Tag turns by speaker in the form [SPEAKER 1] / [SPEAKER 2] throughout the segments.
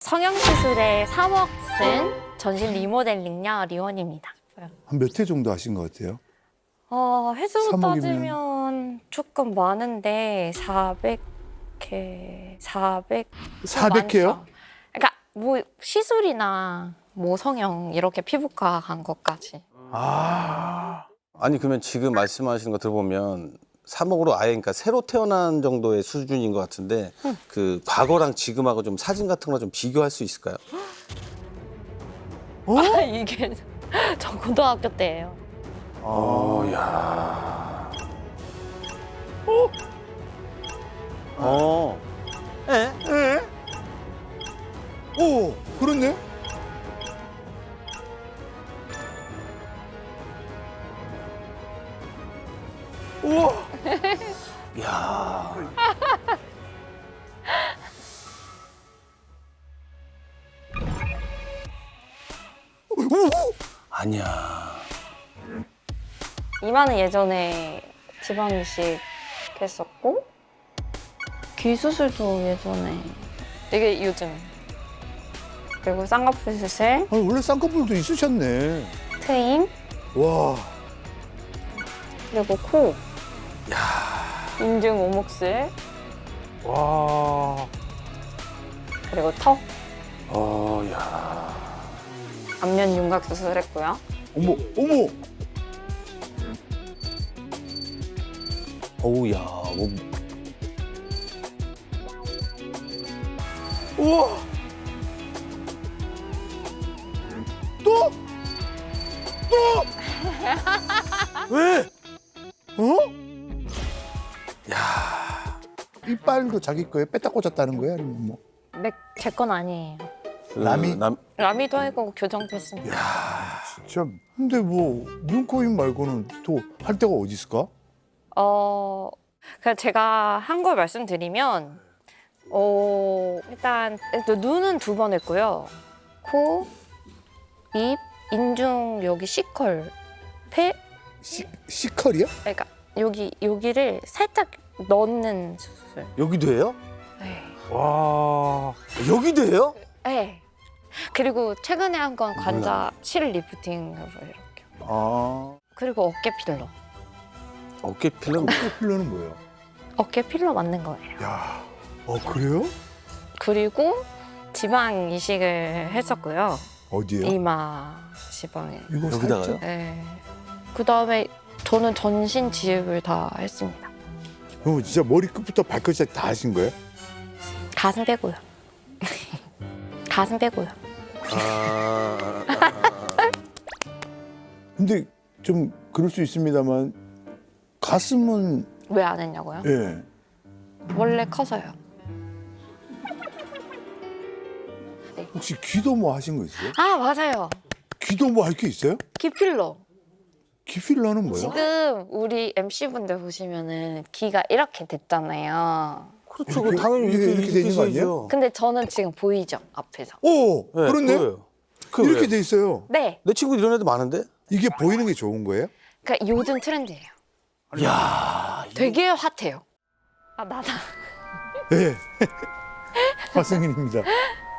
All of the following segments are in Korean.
[SPEAKER 1] 성형시술에 3억 쓴 전신 리모델링녀 리원입니다.
[SPEAKER 2] 한 몇 회 정도 하신 것 같아요?
[SPEAKER 1] 횟수로
[SPEAKER 2] 3억이면...
[SPEAKER 1] 따지면 조금 많은데 400회,
[SPEAKER 2] 400회요?
[SPEAKER 1] 그러니까 뭐 시술이나 뭐 성형 이렇게 피부과 간 것까지.
[SPEAKER 3] 아니 그러면 지금 말씀하시는 거 들어보면 3억으로 아예 그러니까 새로 태어난 정도의 수준인 것 같은데 그 과거랑 지금하고 좀 사진 같은 거 좀 비교할 수 있을까요?
[SPEAKER 1] 이게 저 고등학교 때예요.
[SPEAKER 3] 야.
[SPEAKER 2] 오, 그렇네? 우와!
[SPEAKER 3] 야. 아니야.
[SPEAKER 1] 이마는 예전에 지방 이식 했었고 귀 수술도 예전에 이게 요즘 그리고 쌍꺼풀 수술,
[SPEAKER 2] 아니, 원래 쌍꺼풀도 있으셨네.
[SPEAKER 1] 트임
[SPEAKER 2] 와,
[SPEAKER 1] 그리고 코, 인중 오목술
[SPEAKER 2] 와.
[SPEAKER 1] 그리고 턱,
[SPEAKER 3] 야.
[SPEAKER 1] 안면 윤곽 수술했고요.
[SPEAKER 2] 어머, 어머!
[SPEAKER 3] 어우 야. 뭐
[SPEAKER 2] 우와! 또? 또? 왜? 어?
[SPEAKER 3] 야.
[SPEAKER 2] 이빨도 자기 거에 뺐다 꽂았다는 거야? 아니면 뭐?
[SPEAKER 1] 제 건 아니에요.
[SPEAKER 3] 그
[SPEAKER 2] 남이?
[SPEAKER 1] 라미도 하고 교정도 했습니다.
[SPEAKER 2] 진짜. 근데 뭐, 눈, 코, 입 말고는 또 할 데가 어디 있을까?
[SPEAKER 1] 그냥 제가 한 걸 말씀드리면 일단 눈은 2번 했고요. 코, 입, 인중 여기 C컬, 폐,
[SPEAKER 2] C컬이야?
[SPEAKER 1] 그러니까 여기를 살짝 넣는 수술.
[SPEAKER 3] 여기도 해요?
[SPEAKER 1] 네.
[SPEAKER 2] 와.
[SPEAKER 3] 여기도 해요?
[SPEAKER 1] 네. 그리고 최근에 한 건 관자 실 리프팅으로 이렇게. 그리고 어깨 필러.
[SPEAKER 3] 어깨 필름.
[SPEAKER 2] 필러는 뭐예요?
[SPEAKER 1] 어깨 필러 맞는 거예요.
[SPEAKER 2] 야, 그래요?
[SPEAKER 1] 그리고 지방 이식을 했었고요.
[SPEAKER 2] 어디요?
[SPEAKER 1] 이마 지방에.
[SPEAKER 2] 이거
[SPEAKER 3] 여기다가요?
[SPEAKER 2] 살짝?
[SPEAKER 1] 네. 그다음에 저는 전신 지읍을 다 했습니다.
[SPEAKER 2] 그럼 진짜 머리끝부터 발끝까지 다 하신 거예요?
[SPEAKER 1] 가슴 빼고요. 가슴 빼고요.
[SPEAKER 2] 근데 좀 그럴 수 있습니다만 가슴은
[SPEAKER 1] 왜 안 했냐고요?
[SPEAKER 2] 예.
[SPEAKER 1] 원래 커서요.
[SPEAKER 2] 혹시 귀도 뭐 하신 거 있어요?
[SPEAKER 1] 아 맞아요.
[SPEAKER 2] 귀도 뭐 할 게 있어요?
[SPEAKER 1] 귀 필러.
[SPEAKER 2] 귀 필러는 뭐예요?
[SPEAKER 1] 지금 우리 MC분들 보시면은 귀가 이렇게 됐잖아요.
[SPEAKER 3] 그렇죠.
[SPEAKER 2] 이렇게,
[SPEAKER 3] 당연히
[SPEAKER 2] 이렇게 되는 거 아니에요?
[SPEAKER 3] 있어야죠.
[SPEAKER 1] 근데 저는 지금 보이죠? 앞에서.
[SPEAKER 2] 오,
[SPEAKER 3] 네,
[SPEAKER 2] 그렇네.
[SPEAKER 3] 그거예요.
[SPEAKER 2] 이렇게 돼 있어요.
[SPEAKER 1] 네.
[SPEAKER 3] 내 친구 이런 애도 많은데?
[SPEAKER 2] 이게 보이는 게 좋은 거예요?
[SPEAKER 1] 그러니까 요즘 트렌드예요.
[SPEAKER 3] 야.
[SPEAKER 1] 되게 핫해요. 아 나다.
[SPEAKER 2] 네. 화승인입니다.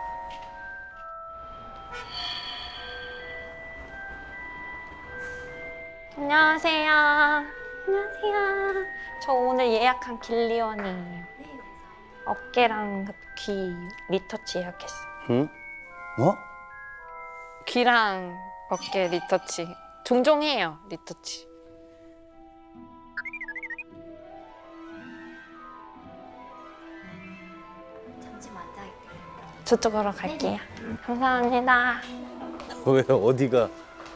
[SPEAKER 1] 안녕하세요. 안녕하세요. 저 오늘 예약한 길리원이에요. 어깨랑 귀 리터치 예약했어요.
[SPEAKER 3] 응? 어?
[SPEAKER 1] 귀랑 어깨 리터치. 종종 해요, 리터치.
[SPEAKER 4] 잠시만 앉아있게.
[SPEAKER 1] 저쪽으로 갈게요. 감사합니다.
[SPEAKER 3] 왜 어디가?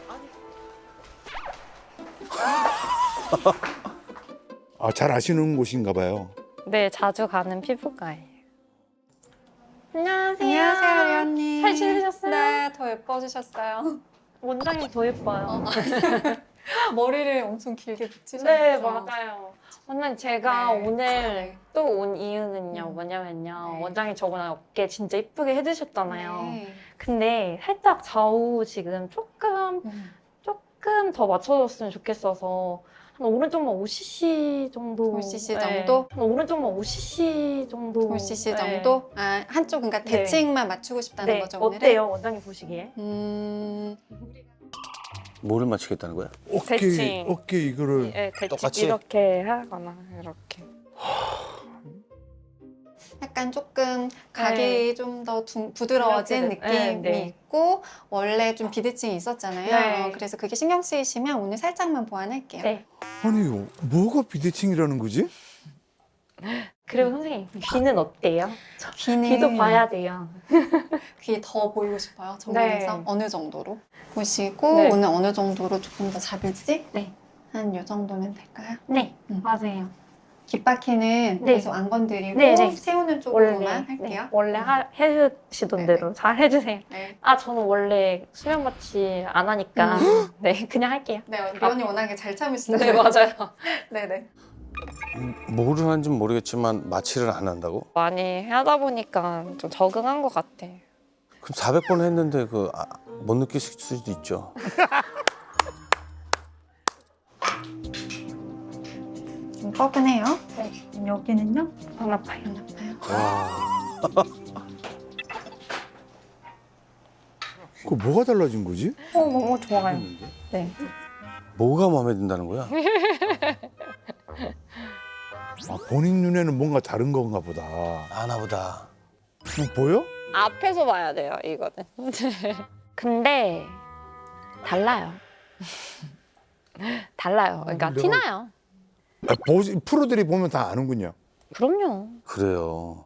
[SPEAKER 2] 잘 아시는 곳인가 봐요.
[SPEAKER 1] 네, 자주 가는 피부과예요. 안녕하세요.
[SPEAKER 4] 안녕하세요, 리언님.
[SPEAKER 1] 잘 지내셨어요?
[SPEAKER 4] 네, 더 예뻐지셨어요.
[SPEAKER 1] 원장님 더 예뻐요.
[SPEAKER 4] 머리를 엄청 길게 붙이셨죠?
[SPEAKER 1] 네, 맞아요. 원장님, 제가
[SPEAKER 4] 네.
[SPEAKER 1] 오늘
[SPEAKER 4] 네.
[SPEAKER 1] 또 온 이유는요, 뭐냐면요.
[SPEAKER 4] 네.
[SPEAKER 1] 원장님 저번에 어깨 진짜 이쁘게 해주셨잖아요.
[SPEAKER 4] 네.
[SPEAKER 1] 근데 살짝 좌우 지금 조금 더 맞춰줬으면 좋겠어서 한 오른쪽만 5cc 정도.
[SPEAKER 4] 5cc
[SPEAKER 1] 네.
[SPEAKER 4] 정도?
[SPEAKER 1] 한 오른쪽만 5cc 정도.
[SPEAKER 4] 5cc
[SPEAKER 1] 네.
[SPEAKER 4] 정도? 아, 한쪽 그러니까
[SPEAKER 1] 네.
[SPEAKER 4] 대칭만 맞추고 싶다는
[SPEAKER 1] 네.
[SPEAKER 4] 거죠, 오늘은?
[SPEAKER 1] 어때요, 원장님 보시기에?
[SPEAKER 3] 뭐를 맞추겠다는 거야?
[SPEAKER 1] 대칭.
[SPEAKER 2] 어깨 이거를
[SPEAKER 1] 네, 대칭
[SPEAKER 3] 똑같이?
[SPEAKER 1] 이렇게 하거나 이렇게.
[SPEAKER 4] 약간 조금 각이 좀 더 부드러워진
[SPEAKER 1] 이렇게,
[SPEAKER 4] 느낌이
[SPEAKER 1] 네, 네.
[SPEAKER 4] 있고 원래 좀 비대칭이 있었잖아요.
[SPEAKER 1] 네.
[SPEAKER 4] 그래서 그게 신경 쓰이시면 오늘 살짝만 보완할게요.
[SPEAKER 1] 네.
[SPEAKER 2] 아니 뭐가 비대칭이라는 거지?
[SPEAKER 1] 그리고 선생님, 귀는 어때요?
[SPEAKER 4] 귀는
[SPEAKER 1] 귀도 봐야 돼요.
[SPEAKER 4] 귀 더 보이고 싶어요. 정면에서
[SPEAKER 1] 네.
[SPEAKER 4] 어느 정도로 보시고
[SPEAKER 1] 네.
[SPEAKER 4] 오늘 어느 정도로 조금 더 잡을지
[SPEAKER 1] 네.
[SPEAKER 4] 한 요 정도면 될까요?
[SPEAKER 1] 네,
[SPEAKER 4] 음.
[SPEAKER 1] 맞아요.
[SPEAKER 4] 귓바퀴는
[SPEAKER 1] 네.
[SPEAKER 4] 계속 안 건드리고
[SPEAKER 1] 네, 네.
[SPEAKER 4] 세우는 쪽으로만
[SPEAKER 1] 원래
[SPEAKER 4] 할게요.
[SPEAKER 1] 원래 해주시던
[SPEAKER 4] 네,
[SPEAKER 1] 대로 잘 해주세요.
[SPEAKER 4] 네.
[SPEAKER 1] 아 저는 원래 수면 마취 안 하니까 네 그냥 할게요.
[SPEAKER 4] 네, 미연이 워낙에 잘 참으시네요.
[SPEAKER 1] 네 맞아요.
[SPEAKER 4] 네네.
[SPEAKER 3] 뭐를 하는지 모르겠지만 마취를 안 한다고?
[SPEAKER 1] 많이 하다 보니까 좀 적응한 것 같아.
[SPEAKER 3] 그럼 400번 했는데 못 느끼실 수도 있죠.
[SPEAKER 4] 좀 뻐근해요.
[SPEAKER 1] 네.
[SPEAKER 4] 여기는요?
[SPEAKER 1] 안 아파요.
[SPEAKER 4] 안 아파요.
[SPEAKER 3] 와.
[SPEAKER 2] 그 뭐가 달라진 거지?
[SPEAKER 1] 너무 좋아요. 네.
[SPEAKER 3] 뭐가 마음에 든다는 거야?
[SPEAKER 2] 아, 본인 눈에는 뭔가 다른 건가 보다.
[SPEAKER 3] 아나 보다.
[SPEAKER 2] 뭐 보여?
[SPEAKER 1] 앞에서 봐야 돼요 이거는. 근데 달라요. 달라요. 그러니까
[SPEAKER 2] 내가-
[SPEAKER 1] 티나요.
[SPEAKER 2] 아, 프로들이 보면 다 아는군요.
[SPEAKER 1] 그럼요.
[SPEAKER 3] 그래요.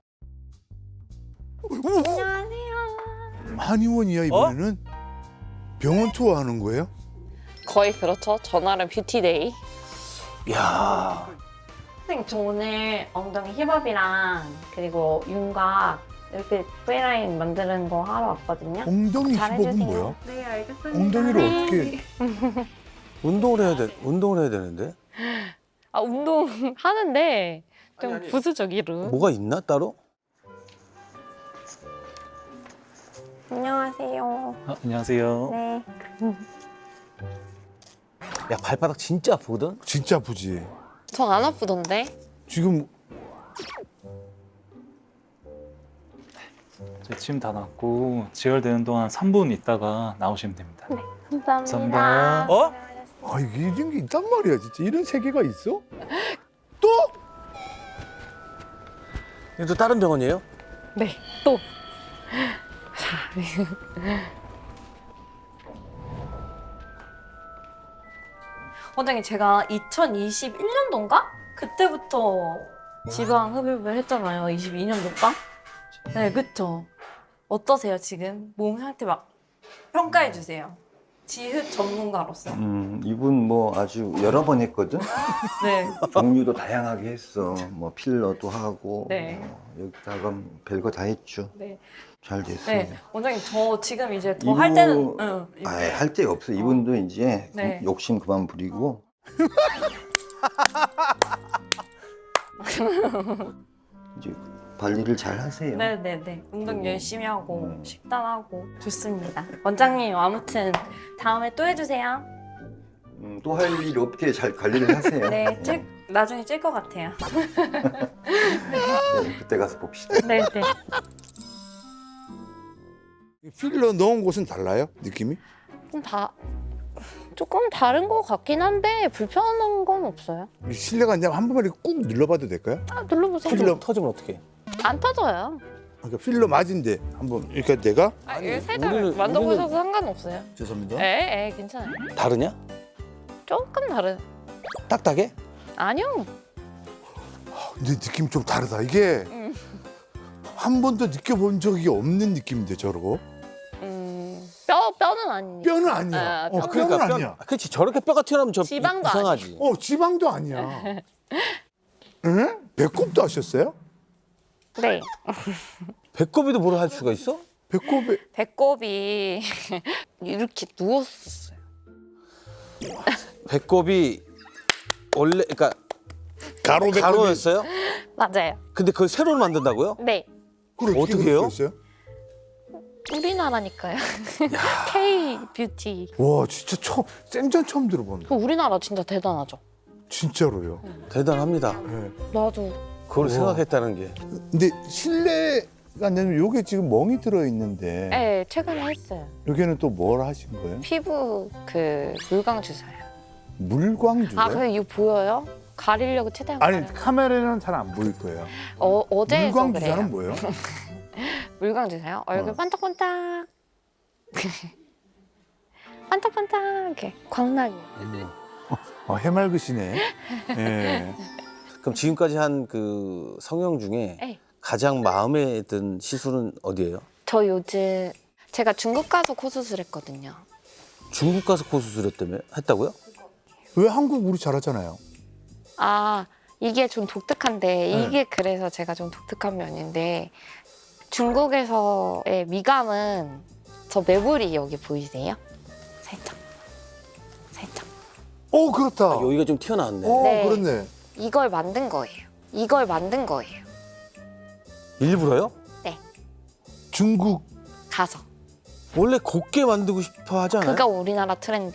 [SPEAKER 1] 안녕하세요.
[SPEAKER 2] 한의원이야 이번에는? 병원 투어 하는 거예요?
[SPEAKER 1] 거의 그렇죠. 전화는 뷰티데이.
[SPEAKER 3] 야.
[SPEAKER 1] 선생님 저 오늘 엉덩이 힙업이랑 그리고 윤곽 이렇게 V라인 만드는 거 하러 왔거든요.
[SPEAKER 2] 엉덩이
[SPEAKER 1] 잘
[SPEAKER 2] 힙업은
[SPEAKER 1] 해주세요.
[SPEAKER 2] 뭐야?
[SPEAKER 1] 네 알겠습니다.
[SPEAKER 2] 엉덩이를 어떻게?
[SPEAKER 3] 운동을 해야 되는데.
[SPEAKER 1] 아 운동 하는데 좀
[SPEAKER 3] 아니.
[SPEAKER 1] 부수적이로.
[SPEAKER 3] 뭐가 있나 따로?
[SPEAKER 1] 안녕하세요.
[SPEAKER 5] 안녕하세요.
[SPEAKER 1] 네.
[SPEAKER 3] 야 발바닥 진짜 아프거든.
[SPEAKER 2] 진짜 아프지.
[SPEAKER 1] 전 안 아프던데.
[SPEAKER 2] 지금
[SPEAKER 5] 저희 침 다 났고 지혈되는 동안 3분 있다가 나오시면 됩니다.
[SPEAKER 1] 감사합니다.
[SPEAKER 3] 어?
[SPEAKER 2] 아 이게 이런 게 있단 말이야 진짜. 이런 세계가 있어? 또?
[SPEAKER 3] 이거 또 다른 병원이에요?
[SPEAKER 1] 네. 또. 원장님 제가 2021년도인가? 그때부터 지방 흡입을 했잖아요. 22년도인가? 네, 그쵸. 어떠세요 지금? 몸 상태 막 평가해 주세요. 지흡 전문가로서.
[SPEAKER 6] 이분 뭐 아주 여러 번 했거든.
[SPEAKER 1] 네.
[SPEAKER 6] 종류도 다양하게 했어. 뭐 필러도 하고.
[SPEAKER 1] 네.
[SPEAKER 6] 여기다가 별거 다 했죠.
[SPEAKER 1] 네.
[SPEAKER 6] 잘 됐어요.
[SPEAKER 1] 네. 원장님 저 지금 이제 더 할 때는 응.
[SPEAKER 6] 할 데 없어. 이분도 이제
[SPEAKER 1] 네.
[SPEAKER 6] 욕심 그만 부리고. 이제 관리를 잘 하세요.
[SPEAKER 1] 네네네. 운동 열심히 하고 식단하고 좋습니다. 원장님 아무튼 다음에 또 해주세요.
[SPEAKER 6] 또 할 일 없게 잘 관리를 하세요.
[SPEAKER 1] 네, 나중에 찔 것 같아요.
[SPEAKER 6] 네, 그때 가서 봅시다.
[SPEAKER 1] 네네.
[SPEAKER 2] 필러 넣은 곳은 달라요? 느낌이?
[SPEAKER 1] 조금 다른 것 같긴 한데 불편한 건 없어요.
[SPEAKER 2] 실례가 안 되면 한 번만 이렇게 꾹 눌러봐도 될까요?
[SPEAKER 1] 아, 눌러보세요.
[SPEAKER 2] 필러.
[SPEAKER 3] 터지면 어떡해?
[SPEAKER 1] 안 터져요.
[SPEAKER 2] 그러니까 필러 맞은데 한번 이렇게 내가
[SPEAKER 1] 아, 이거 살짝
[SPEAKER 3] 우리는-
[SPEAKER 1] 만져보셔도 상관없어요.
[SPEAKER 2] 죄송합니다.
[SPEAKER 1] 에, 괜찮아요.
[SPEAKER 3] 다르냐?
[SPEAKER 1] 조금 다른.
[SPEAKER 3] 딱딱해?
[SPEAKER 1] 아니요.
[SPEAKER 2] 근데 느낌 좀 다르다. 이게 한 번도 느껴본 적이 없는 느낌인데 저러고
[SPEAKER 1] 뼈는 아니니까.
[SPEAKER 2] 뼈는 아니야.
[SPEAKER 1] 아,
[SPEAKER 2] 뼈는
[SPEAKER 3] 그러니까
[SPEAKER 2] 아니야.
[SPEAKER 3] 그렇지 저렇게 뼈가 튀어나오면 저
[SPEAKER 1] 지방도
[SPEAKER 3] 이상하지.
[SPEAKER 2] 지방도 아니야. 응? 배꼽도 하셨어요?
[SPEAKER 1] 네.
[SPEAKER 3] 배꼽에도 뭘 할 수가 있어?
[SPEAKER 2] 배꼽에
[SPEAKER 1] 배꼽이 이렇게 누웠었어요.
[SPEAKER 3] 배꼽이 원래 그러니까
[SPEAKER 2] 가로 배꼽이
[SPEAKER 3] 가로였어요?
[SPEAKER 1] 맞아요.
[SPEAKER 3] 근데 그걸 새로 만든다고요?
[SPEAKER 1] 네.
[SPEAKER 2] 그걸
[SPEAKER 3] 어떻게 해요?
[SPEAKER 2] 했어요?
[SPEAKER 1] 우리나라니까요. K 뷰티.
[SPEAKER 2] 와 진짜 생전 처음 들어본다.
[SPEAKER 1] 우리나라 진짜 대단하죠.
[SPEAKER 2] 진짜로요.
[SPEAKER 3] 대단합니다.
[SPEAKER 2] 네.
[SPEAKER 1] 나도.
[SPEAKER 3] 그걸
[SPEAKER 2] 우와.
[SPEAKER 3] 생각했다는 게.
[SPEAKER 2] 근데 실례가 안 되면 요게 지금 멍이 들어 있는데
[SPEAKER 1] 네, 최근에 했어요.
[SPEAKER 2] 여기는 또 뭘 하신 거예요?
[SPEAKER 1] 피부 그 물광 주사요.
[SPEAKER 2] 물광 주사요?
[SPEAKER 1] 아, 근데 이거 보여요? 가리려고 최대한
[SPEAKER 2] 아니
[SPEAKER 1] 가려요.
[SPEAKER 2] 카메라는 잘 안 보일 거예요.
[SPEAKER 1] 어제 해서
[SPEAKER 2] 물광
[SPEAKER 1] 그래요.
[SPEAKER 2] 주사는 뭐예요?
[SPEAKER 1] 물광 주사요? 얼굴
[SPEAKER 2] 어.
[SPEAKER 1] 반짝반짝. 반짝반짝 이렇게 광나게.
[SPEAKER 2] 해맑으시네. 예.
[SPEAKER 3] 그럼 지금까지 한 그 성형 중에
[SPEAKER 1] 네.
[SPEAKER 3] 가장 마음에 든 시술은 어디예요?
[SPEAKER 1] 저 요즘 제가 중국 가서 코 수술했거든요.
[SPEAKER 3] 중국 가서 코 했다고요?
[SPEAKER 2] 왜 한국 우리 잘하잖아요.
[SPEAKER 1] 아, 이게 좀 독특한데
[SPEAKER 2] 네.
[SPEAKER 1] 이게 그래서 제가 좀 독특한 면인데 중국에서의 미감은 저 매부리 여기 보이세요? 살짝. 살짝.
[SPEAKER 2] 오 그렇다.
[SPEAKER 3] 아, 여기가 좀 튀어나왔네.
[SPEAKER 1] 네.
[SPEAKER 2] 그렇네.
[SPEAKER 1] 이걸 만든 거예요. 이걸 만든 거예요.
[SPEAKER 3] 일부러요?
[SPEAKER 2] 중국
[SPEAKER 1] 가서.
[SPEAKER 3] 원래 곱게 만들고 싶어 하지 않아요?
[SPEAKER 1] 그가 우리나라 트렌드.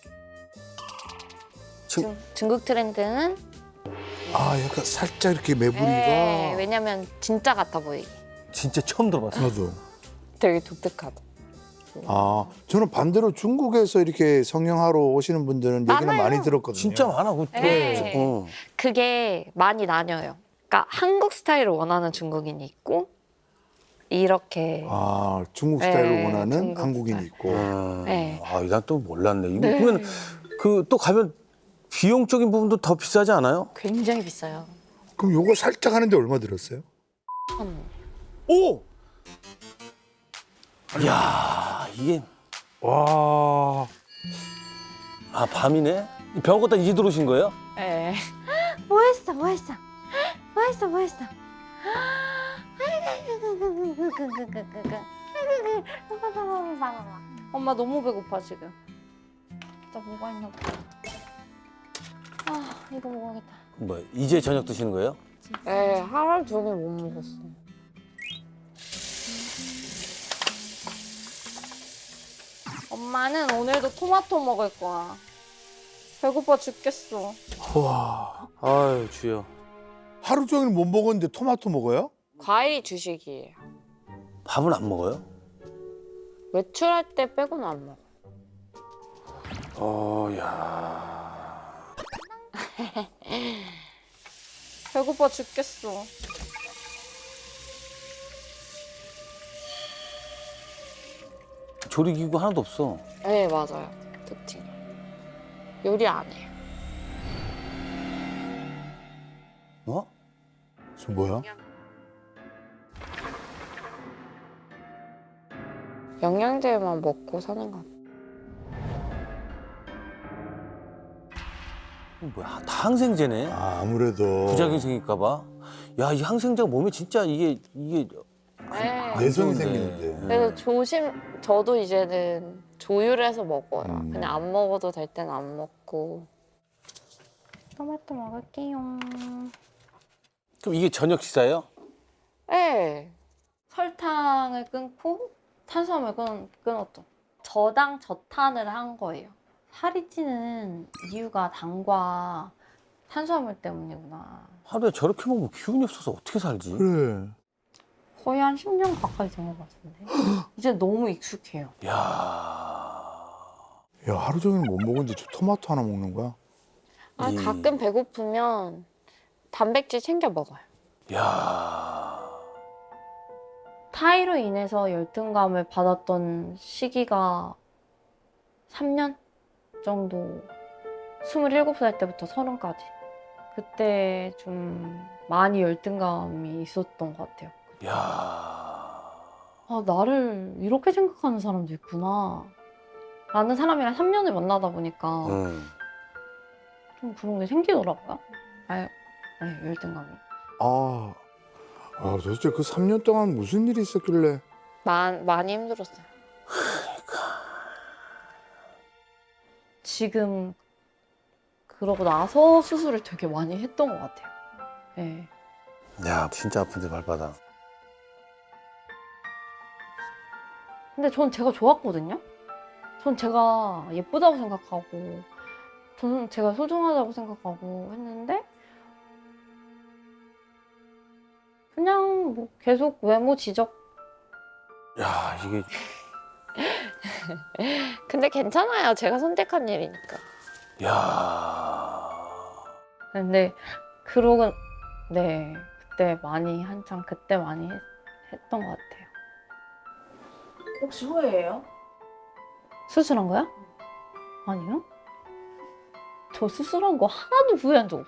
[SPEAKER 1] 중국 트렌드는
[SPEAKER 2] 약간 살짝 이렇게 매부리가.
[SPEAKER 1] 네, 왜냐면 진짜 같아 보이게.
[SPEAKER 3] 진짜 처음 들어봤어요.
[SPEAKER 2] 나도.
[SPEAKER 1] 되게 독특하다.
[SPEAKER 2] 저는 반대로 중국에서 이렇게 성형하러 오시는 분들은 얘기는
[SPEAKER 1] 많아요.
[SPEAKER 2] 많이 들었거든요.
[SPEAKER 3] 진짜 많아.
[SPEAKER 1] 네.
[SPEAKER 3] 어.
[SPEAKER 1] 그게 많이 나뉘어요. 그러니까 한국 스타일을 원하는 중국인이 있고 이렇게
[SPEAKER 2] 중국
[SPEAKER 1] 네,
[SPEAKER 2] 스타일을 원하는
[SPEAKER 1] 중국
[SPEAKER 2] 한국인이
[SPEAKER 1] 스타일.
[SPEAKER 2] 있고.
[SPEAKER 1] 네.
[SPEAKER 3] 난 또 몰랐네. 이거 그러면 그 또 가면 비용적인 부분도 더 비싸지 않아요?
[SPEAKER 1] 굉장히 비싸요.
[SPEAKER 2] 그럼 요거 살짝 하는데 얼마 들었어요?
[SPEAKER 3] 오! 이야, 이게
[SPEAKER 2] 와.
[SPEAKER 3] 밤이네? 병원 갔다 이제 들어오신 거예요?
[SPEAKER 1] 네.
[SPEAKER 7] 뭐했어 뭐했어 뭐했어 뭐했어
[SPEAKER 1] 엄마 너무 배고파 지금. 진짜 뭐가 있나 보다. 이거 먹어야겠다.
[SPEAKER 3] 뭐 이제 저녁 드시는 거예요?
[SPEAKER 1] 네, 하루 종일 못 먹었어. 엄마는 오늘도 토마토 먹을 거야. 배고파 죽겠어.
[SPEAKER 2] 와.
[SPEAKER 3] 아유, 주여.
[SPEAKER 2] 하루 종일 못 먹었는데 토마토 먹어요?
[SPEAKER 1] 과일이 주식이에요.
[SPEAKER 3] 밥은 안 먹어요?
[SPEAKER 1] 외출할 때 빼고는 안 먹어.
[SPEAKER 3] 야.
[SPEAKER 1] 배고파 죽겠어.
[SPEAKER 3] 조리기구 하나도 없어.
[SPEAKER 1] 네, 맞아요. 특징. 요리 안 해요.
[SPEAKER 3] 어?
[SPEAKER 2] 저 뭐야?
[SPEAKER 1] 영양제만 먹고 사는 것 같아요.
[SPEAKER 3] 뭐야, 다 항생제네.
[SPEAKER 2] 아무래도
[SPEAKER 3] 부작용 생길까 봐. 야, 이 항생제가 몸에 진짜 이게
[SPEAKER 1] 네.
[SPEAKER 2] 내성이
[SPEAKER 3] 좋은데.
[SPEAKER 2] 생기는데.
[SPEAKER 1] 그래서 저도 이제는 조율을 해서 먹어요.
[SPEAKER 2] 음.
[SPEAKER 1] 그냥 안 먹어도 될 때는 안 먹고. 토마토 먹을게요.
[SPEAKER 3] 그럼 이게 저녁 식사예요?
[SPEAKER 1] 네. 설탕을 끊고 탄수화물 끊었죠. 저당 저탄을 한 거예요. 살이 찌는 이유가 당과 탄수화물 때문이구나.
[SPEAKER 3] 하루에 저렇게 먹으면 기운이 없어서 어떻게 살지?
[SPEAKER 2] 그래.
[SPEAKER 1] 거의 한 10년 가까이 된 것 같은데. 이제 너무 익숙해요.
[SPEAKER 3] 야.
[SPEAKER 2] 야 하루 종일 못 먹었는데 저 토마토 하나 먹는 거야?
[SPEAKER 1] 가끔 배고프면 단백질 챙겨 먹어요.
[SPEAKER 3] 야.
[SPEAKER 1] 타이로 인해서 열등감을 받았던 시기가 3년 정도. 27살 때부터 30까지. 그때 좀 많이 열등감이 있었던 것 같아요.
[SPEAKER 3] 야.
[SPEAKER 1] 나를 이렇게 생각하는 사람도 있구나. 라는 사람이랑 3년을 만나다 보니까 좀 그런 게 생기더라고요. 네, 열등감이.
[SPEAKER 2] 도대체 그 3년 동안 무슨 일이 있었길래?
[SPEAKER 1] 많이 힘들었어요. 지금 그러고 나서 수술을 되게 많이 했던 것 같아요. 네.
[SPEAKER 3] 야, 진짜 아픈데 발바닥.
[SPEAKER 1] 근데 전 제가 좋았거든요. 전 제가 예쁘다고 생각하고 저는 제가 소중하다고 생각하고 했는데 그냥 뭐 계속 외모 지적.
[SPEAKER 3] 야, 이게
[SPEAKER 1] 근데 괜찮아요. 제가 선택한 일이니까.
[SPEAKER 3] 야.
[SPEAKER 1] 근데 그러고 네 그때 많이 한창 그때 많이 했던 것 같아요.
[SPEAKER 8] 혹시 후회해요?
[SPEAKER 1] 수술한 거야? 아니요. 저 수술한 거 하나도 후회한 적 없어.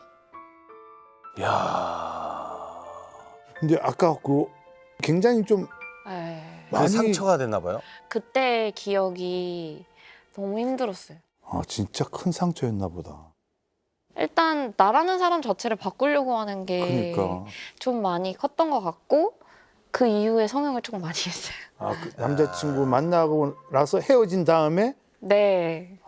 [SPEAKER 3] 야.
[SPEAKER 2] 근데 아까 그 굉장히 좀
[SPEAKER 1] 네.
[SPEAKER 3] 많이 상처가 됐나 봐요.
[SPEAKER 1] 그때 기억이 너무 힘들었어요.
[SPEAKER 2] 진짜 큰 상처였나 보다.
[SPEAKER 1] 일단 나라는 사람 자체를 바꾸려고 하는 게 좀
[SPEAKER 2] 그러니까
[SPEAKER 1] 많이 컸던 것 같고 그 이후에 성형을 조금 많이 했어요.
[SPEAKER 2] 그 남자친구 만나고 나서 헤어진 다음에
[SPEAKER 1] 네.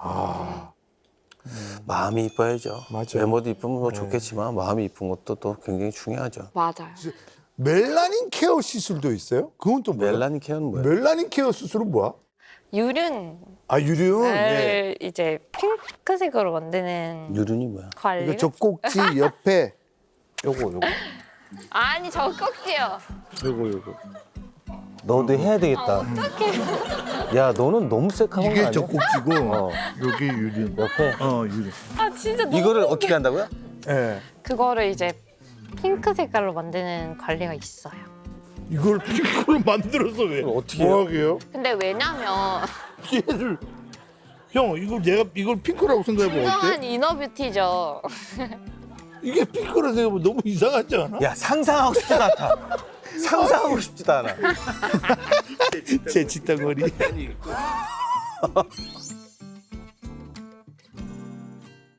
[SPEAKER 3] 마음이 이뻐야죠.
[SPEAKER 2] 맞아요.
[SPEAKER 3] 외모도 이쁘면 뭐
[SPEAKER 2] 네.
[SPEAKER 3] 좋겠지만 마음이 이쁜 것도 또 굉장히 중요하죠.
[SPEAKER 1] 맞아요.
[SPEAKER 2] 멜라닌 케어 시술도 있어요? 그건 또 뭐야?
[SPEAKER 3] 멜라닌 케어는 뭐예요?
[SPEAKER 2] 멜라닌 케어 수술은 뭐야?
[SPEAKER 1] 유륜
[SPEAKER 2] 유륜.
[SPEAKER 1] 을 이제 핑크색으로 만드는
[SPEAKER 3] 유륜이 뭐야?
[SPEAKER 1] 관리.
[SPEAKER 2] 이거 젖꼭지 옆에 요거.
[SPEAKER 1] 아니 저 꼭지요.
[SPEAKER 3] 요거. 너도 해야 되겠다. 어떡해. 야, 너는 너무 섹한 거
[SPEAKER 2] 이게
[SPEAKER 3] 아니야?
[SPEAKER 2] 젖꼭지고 여기 유륜.
[SPEAKER 3] 옆에
[SPEAKER 2] 유륜.
[SPEAKER 1] 아 진짜 너무
[SPEAKER 3] 이거를 어떻게 한다고요?
[SPEAKER 2] 예.
[SPEAKER 1] 그거를 이제 핑크 색깔로 만드는 관리가 있어요.
[SPEAKER 2] 이걸 핑크로 만들어서 왜?
[SPEAKER 3] 이걸 어떻게 해요?
[SPEAKER 2] 뭐 하게요?
[SPEAKER 1] 근데 왜냐면
[SPEAKER 2] 얘를 형 이걸 핑크라고 생각해봐
[SPEAKER 1] 진정한 이너뷰티죠.
[SPEAKER 2] 이게 핑크라고 생각해보면 너무 이상하지 않아?
[SPEAKER 3] 야, 상상하고 싶지도 않다. 상상하고 싶지도 않아.
[SPEAKER 2] 제 짓덩어리.